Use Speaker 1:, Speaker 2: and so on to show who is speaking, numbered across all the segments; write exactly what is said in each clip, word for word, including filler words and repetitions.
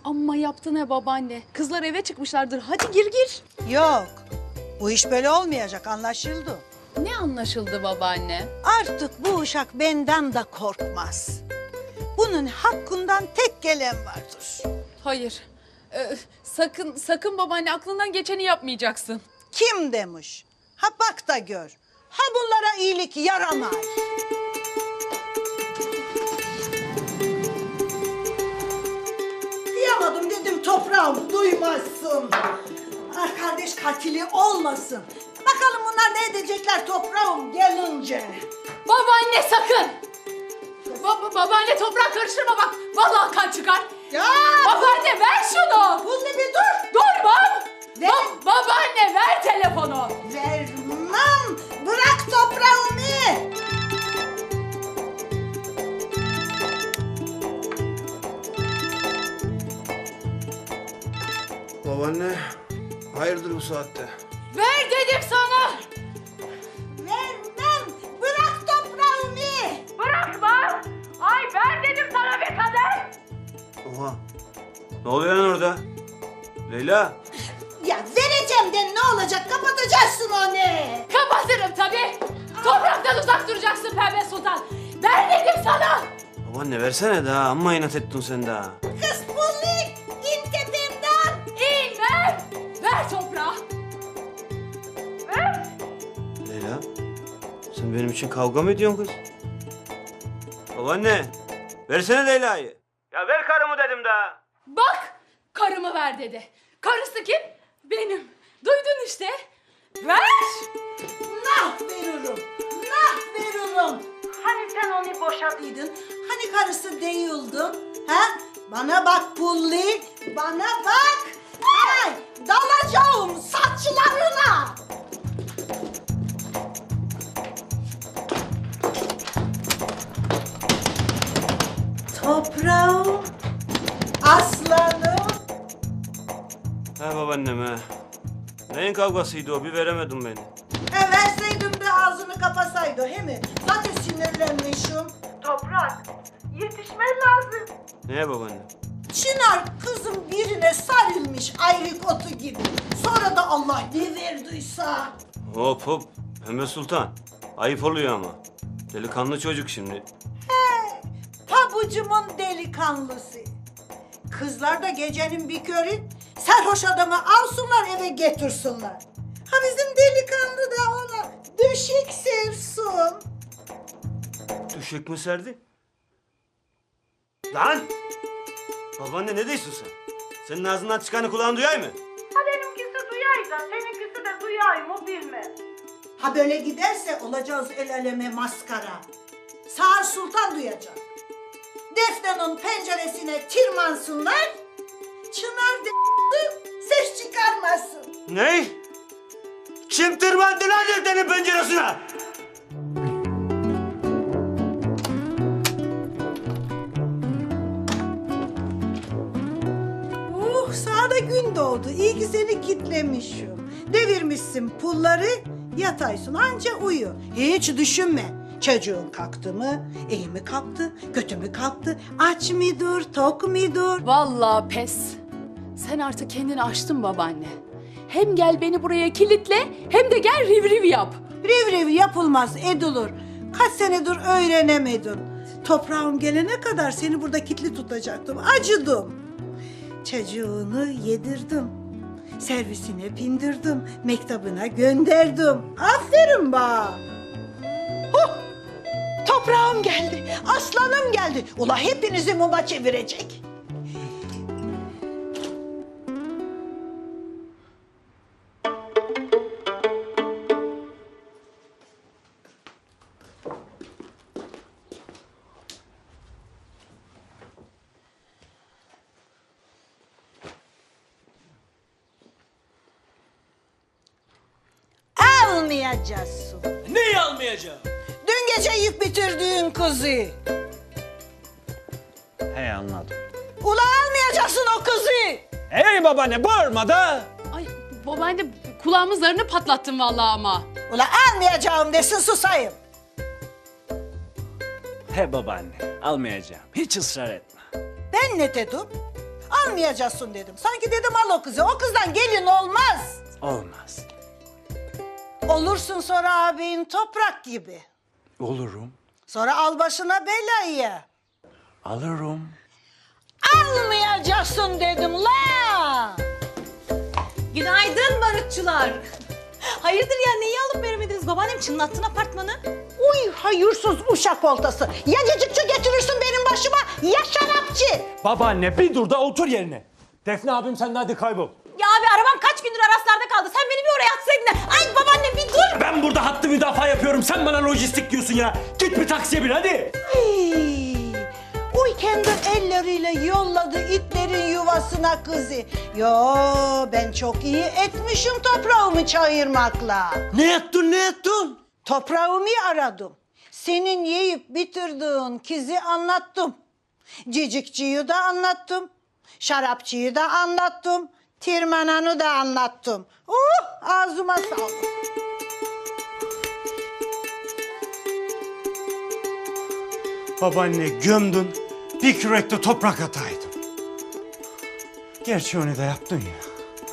Speaker 1: Amma yaptın he babaanne. Kızlar eve çıkmışlardır. Hadi gir gir.
Speaker 2: Yok. Bu iş böyle olmayacak, anlaşıldı.
Speaker 1: Ne anlaşıldı babaanne?
Speaker 2: Artık bu uşak benden de korkmaz. Bunun hakkından tek gelen vardır.
Speaker 1: Hayır. Ee, sakın sakın babaanne, aklından geçeni yapmayacaksın.
Speaker 2: Kim demiş? Ha bak da gör. Ha bunlara iyilik yaramaz. Kıyamadım dedim toprağım duymazsın. Ah kardeş katili olmasın. Bakalım bunlar ne edecekler toprağım gelince.
Speaker 1: Babaanne sakın! Ba- babaanne toprağa karıştırma bak. Vallahi kan çıkar.
Speaker 2: Ya!
Speaker 1: Babaanne ver şunu.
Speaker 2: Bunda bir dur.
Speaker 1: Durmam.
Speaker 2: Ver.
Speaker 1: Ba- babaanne ver telefonu.
Speaker 2: Vermem. Bırak toprağımı.
Speaker 3: Babaanne, hayırdır bu saatte?
Speaker 1: Ver dedim sana.
Speaker 2: Vermem. Bırak toprağımı.
Speaker 1: Bırakma. Ay ver dedim sana bir kadeh.
Speaker 3: Oha, ne oluyor lan orada? Leyla,
Speaker 2: Ya vereceğim de ne olacak? Kapatacaksın onu.
Speaker 1: Kapatırım tabii. Topraktan uzak duracaksın Pembe Sultan. Ver dedim sana.
Speaker 3: babaanne versene daha, amma inat ettin sen daha.
Speaker 2: Kız pulli. İn tepemden.
Speaker 1: İn ver. Ver toprağı. Ver.
Speaker 3: Leyla, sen benim için kavga mı ediyorsun kız? Babaanne, versene Leyla'yı. Ya ver karımı dedim daha.
Speaker 1: Bak karımı ver dedi. Karısı kim? Benim. Duydun işte. Ver.
Speaker 2: Nah veririm. Nah veririm. Hani sen onu boşadıydın? Hani karısı değildin? Ha? Bana bak pulli. Bana bak. Ay dalacağım saçlarına. Toprağım. Aslanım.
Speaker 3: He babaannem he. Neyin kavgasıydı o, bir veremedim beni.
Speaker 2: E verseydim de ağzını kapasaydı he mi? Zaten sinirlenmişim. Toprak, yetişmen lazım.
Speaker 3: Neye babaanne?
Speaker 2: Çınar kızım birine sarılmış ayrık otu gibi. Sonra da Allah ne verdiyse.
Speaker 3: Hop hop, Pembe Sultan. Ayıp oluyor ama. Delikanlı çocuk şimdi.
Speaker 2: He, pabucumun delikanlısı. Kızlar da gecenin bir körü sarhoş adamı alsınlar eve getirsinler. Ha bizim delikanlı da ona düşük sevsin.
Speaker 3: Düşük mü serdi? Lan! Babaanne ne diyorsun sen? Senin ağzından çıkanı kulağın duyay mı?
Speaker 2: Ha benimkisi duyay da seninkisi de duyay mı bilmem. Ha böyle giderse olacağız el eleme maskara. Sağır Sultan duyacak. Defne'nin penceresine tırmansınlar. Çınar de ses çıkarmasın.
Speaker 3: Ne? Kim tırmandı lan Defne'nin penceresine?
Speaker 2: Uh sağda gün doğdu. İyi ki seni kitlemişim. Devirmişsin pulları yataysın anca uyu. Hiç düşünme. Çocuğun kalktı mı? İyi mi kalktı? Kötü mü kalktı? Aç mıdır? Tok mudur?
Speaker 1: Vallahi pes. Sen artık kendini aştın babaanne. Hem gel beni buraya kilitle hem de gel riv riv yap.
Speaker 2: Riv riv yapılmaz edilir. Kaç senedir öğrenemedin. Toprağım gelene kadar seni burada kilitli tutacaktım. Acıdım. Çocuğunu yedirdim. Servisine bindirdim. Mektabına gönderdim. Aferin bana. Huh! Toprağım geldi. Aslanım geldi. Ula hepinizi muma çevirecek. Almayacaksın.
Speaker 4: Neyi almayacağım?
Speaker 2: Dün gece yiyip bitirdiğin kızı.
Speaker 4: He anladım.
Speaker 2: Ula almayacaksın o kızı.
Speaker 4: Hey babaanne bağırma da.
Speaker 1: Ay babaanne kulağımın zarını patlattın vallahi ama.
Speaker 2: Ula almayacağım desin susayım.
Speaker 4: He babaanne almayacağım. Hiç ısrar etme.
Speaker 2: Ben ne dedim? Almayacağım. almayacaksın dedim. Sanki dedim al o kızı. O kızdan gelin olmaz.
Speaker 4: Olmaz.
Speaker 2: Olursun sonra abin toprak gibi.
Speaker 4: Olurum.
Speaker 2: Sonra al başına belayı.
Speaker 4: Alırım.
Speaker 2: Almayacaksın dedim la.
Speaker 5: Günaydın barutçular. Hayırdır ya, neyi alıp veremediniz? Babaannem çınlattın apartmanı.
Speaker 2: Uy hayırsız uşak oltası. Ya cacıkçı getirirsin benim başıma ya şarapçı.
Speaker 4: Babaanne bir dur da otur yerine. Defne abim sen de hadi kaybol.
Speaker 5: Ya abi arabam kaç gündür Araslar'da kaldı. Sen beni bir oraya atsaydın da. Ay babaanne bir dur.
Speaker 4: Ben burada hattı müdafaa yapıyorum. Sen bana lojistik diyorsun ya. Git bir taksiye bin hadi.
Speaker 2: Hey, uy kendi elleriyle yolladı itlerin yuvasına kızı. Yo ben çok iyi etmişim toprağımı çayırmakla.
Speaker 4: Ne yaptın ne yaptın?
Speaker 2: Toprağımı aradım. Senin yiyip bitirdiğin kizi anlattım. Cicikçiyi de anlattım. Şarapçıyı da anlattım. Tirmananı da anlattım. Uh ağzıma sağlık.
Speaker 3: Babaanne gömdün, bir kürek de toprak ataydın. Gerçi onu da yaptın ya.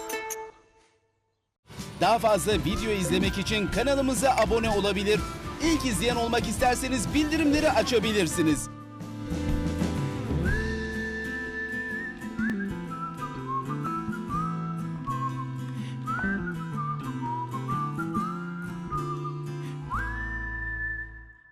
Speaker 6: Daha fazla video izlemek için kanalımıza abone olabilir. İlk izleyen olmak isterseniz bildirimleri açabilirsiniz.